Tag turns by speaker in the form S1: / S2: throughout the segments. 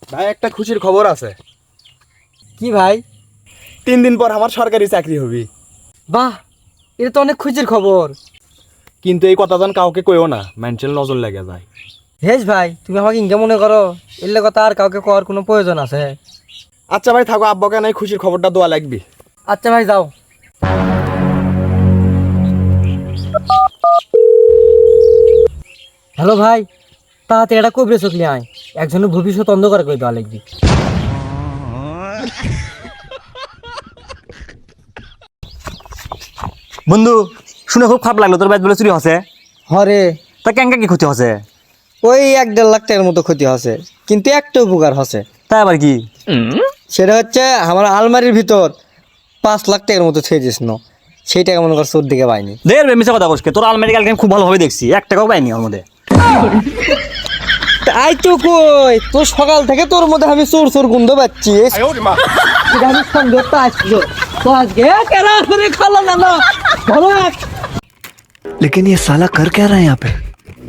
S1: ভাই একটা খুশির খবর আছে।
S2: কি ভাই?
S1: 3 দিন পর আমার সরকারি চাকরি হবে।
S2: বাহ, এটা তো অনেক খুশির খবর।
S1: কিন্তু এই কথা যেন কাউকে কইও না, মেন্টাল নজর লেগে যায়।
S2: হেস ভাই, তুমি আমাকে ইনকে মনে করো, এর কথা আর কাউকে করার কোনো প্রয়োজন আছে?
S1: আচ্ছা ভাই থাকো, আব্বাকে নাই খুশির খবরটা দেওয়া লাগবে।
S2: আচ্ছা ভাই যাও। হ্যালো ভাই, তাড়াতাড়ি এটা কবরে চকলি আয়, একজনের ভবিষ্যৎ অন্ধকার করে দেওয়া লাগবে।
S3: বন্ধু শুনে খুব খারাপ লাগলো, তোর ব্যাট বলে চুরি হচ্ছে।
S2: হরে,
S3: তা কেঙ্কা কি ক্ষতি হচ্ছে?
S2: ওই 1-1.5 লাখ টাকার মতো ক্ষতি হচ্ছে, কিন্তু একটা উপকার হচ্ছে।
S3: তাই আবার কি?
S2: সেটা হচ্ছে আমার আলমারির ভিতর 5 লাখ টাকার মতো ছেড়ে দিস না, সেই টাকা মনে কর চোর দিকে পাইনি।
S3: দের মিশা কথা বসকে, তোর আলমারি কালকে খুব ভালোভাবে দেখছি, 1 টাকাও পাইনি ওর মধ্যে।
S2: তাই তো কই, তোর সকাল থেকে তোর মধ্যে আমি চোর চোর গন্ধ পাচ্ছি। আমি সন্দেহটা আসলো তো আজকে কেনা করে খালো না না ভালো।
S4: लेकिन ये साला कर क्या रहा है यहाँ पे?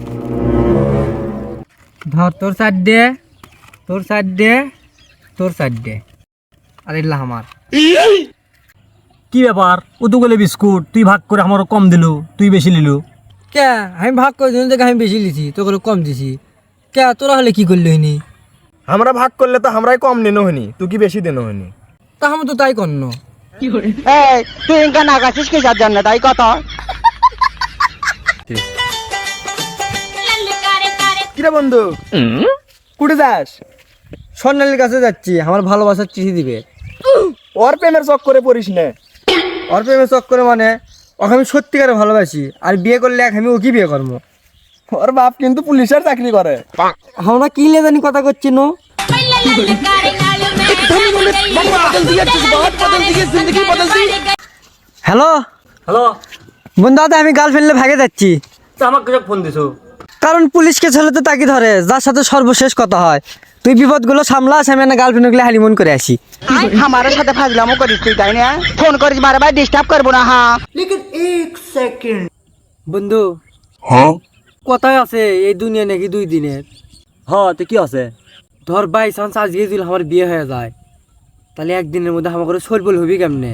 S2: ধর তোর সাইড দে, তোর সাইড দে, তোর সাইড দে, আর এলা আমার।
S3: কি ব্যাপার? ও তো গেলে বিস্কুট, তুই ভাগ করে আমারও কম দিলু, তুই বেশি লিলু।
S2: কে আমি ভাগ করে দিন দেখে আমি বেশি লিছি, তোকে কম দিছি। কে তোরা হলে কি করলি হইনি?
S1: আমরা ভাগ করলে তো আমরাই কম নিনো হইনি, তুই কি বেশি দিনো হইনি?
S2: তা আমি তো তাই করনো।
S5: তুই ইনকা নাগাছিস কি যার জন্য তাই কথা।
S1: কিরে বন্ধু, কুড়ে যাস?
S2: স্বর্ণালীর কাছে যাচ্ছি, আমার ভালোবাসার চিঠি দিবে।
S1: ওর প্রেমের চক করে পড়িস না।
S2: ওর প্রেমে চক্করে মানে ওকে আমি সত্যিকারে ভালোবাসি, আর বিয়ে করলে এক আমি ওকে বিয়ে করবো।
S1: ওর বাপ কিন্তু পুলিশের চাকরি করে।
S2: আমরা কি লেজানি কথা করছি নো? হ্যালো
S3: হ্যালো,
S2: বন্ধু দাদা, আমি গার্লফ্রেন্ডে ভাগে যাচ্ছি।
S3: তা আমাকে কেন ফোন দিছো?
S2: কারণ পুলিশকে ছেলে তো তাকে ধরে যার সাথে সর্বশেষ কথা হয়। তুই বিপদগুলো সামলাস, আমি না গার্লফ্রেন্ডগুলো হানিমুন করে আসি।
S5: আমার সাথে ফাজলামো করিস তুই তাই না? ফোন করিস বারবার, ডিস্টার্ব করবো না। হ্যাঁ
S2: বন্ধু, কথায় আছে এই দুনিয়া নাকি 2 দিনের।
S3: হ, তো কি আছে?
S2: ধর বাই চান্স আজকে যদি আমার বিয়ে হয়ে যায়, তাহলে একদিনের মধ্যে আমার করে সরবল হবি কেমনে?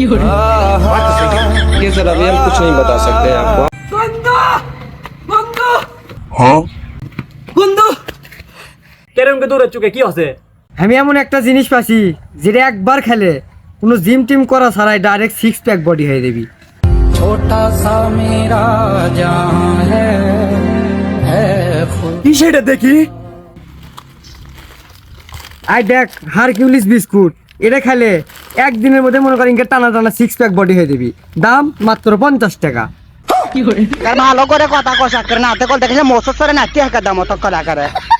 S1: ये सर अभी हम कुछ नहीं बता सकते आपको।
S2: বন্ধু বন্ধু
S4: हाँ?
S2: বন্ধু,
S3: কেরমকে দৌড়ে চুকে কি আছে?
S2: আমি এমন একটা জিনিস পাচ্ছি যেটা একবার খেলে কোনো জিম টিম করা ছাড়াই ডাইরেক্ট 6 প্যাক বডি হয়ে যাবি।
S1: কি সেটা দেখি?
S2: আই দেখ, হারকিউলিস বিস্কুট, এটা খেলে একদিনের মধ্যে মনে করেন টানা টানা 6 প্যাক বডি হয়ে যাবি। দাম মাত্র 50 টাকা।
S5: ভালো করে কথা কষা করে নাতে কল দেখে মোসর সরে নাতি হাঁকা দাম অত করা করে।